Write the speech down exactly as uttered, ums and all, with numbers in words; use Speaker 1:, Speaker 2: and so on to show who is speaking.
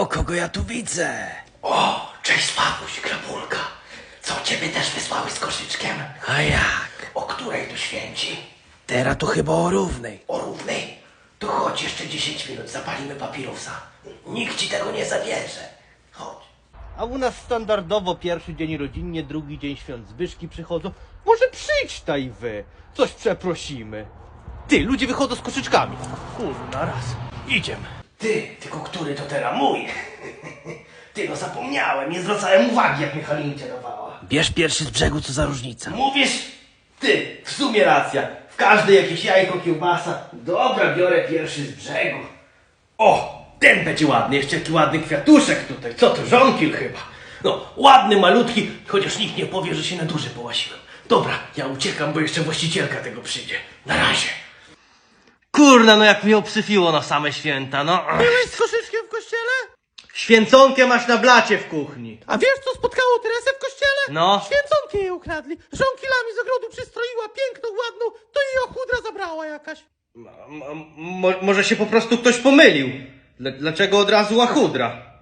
Speaker 1: O, kogo ja tu widzę?
Speaker 2: O, cześć Pawuś, Krapulka. Co, ciebie też wysłały z koszyczkiem?
Speaker 1: A jak?
Speaker 2: O której tu święci?
Speaker 1: Teraz to chyba o równej.
Speaker 2: O równej? To chodź jeszcze dziesięć minut, zapalimy papirusa. Nikt ci tego nie zabierze. Chodź.
Speaker 3: A u nas standardowo pierwszy dzień rodzinnie, drugi dzień świąt Zbyszki przychodzą. Może przyjdź taj wy, coś przeprosimy. Ty, ludzie wychodzą z koszyczkami. Kurna, raz. Idziemy.
Speaker 2: Ty, tylko który to teraz mój? Ty, no zapomniałem, nie zwracałem uwagi, jak mi Halincia dawała.
Speaker 1: Bierz pierwszy z brzegu, co za różnica.
Speaker 2: Mówisz? Ty, w sumie racja. W każdej jakieś jajko, kiełbasa. Dobra, biorę pierwszy z brzegu. O, ten będzie ładny. Jeszcze jaki ładny kwiatuszek tutaj. Co to, żonkil chyba. No, ładny, malutki, chociaż nikt nie powie, że się na duży połasiłem. Dobra, ja uciekam, bo jeszcze właścicielka tego przyjdzie. Na razie.
Speaker 3: Kurna, no jak mnie obsyfiło na same święta, no.
Speaker 4: Byłeś z koszyczkiem w kościele?
Speaker 3: Święconkę masz na blacie w kuchni.
Speaker 4: A wiesz, co spotkało Teresę w kościele?
Speaker 3: No.
Speaker 4: Święconkę jej ukradli. Żonkilami z ogrodu przystroiła, piękną, ładną, to jej ochudra zabrała jakaś.
Speaker 3: M- m- mo- może się po prostu ktoś pomylił. Dl- Dlaczego od razu łachudra?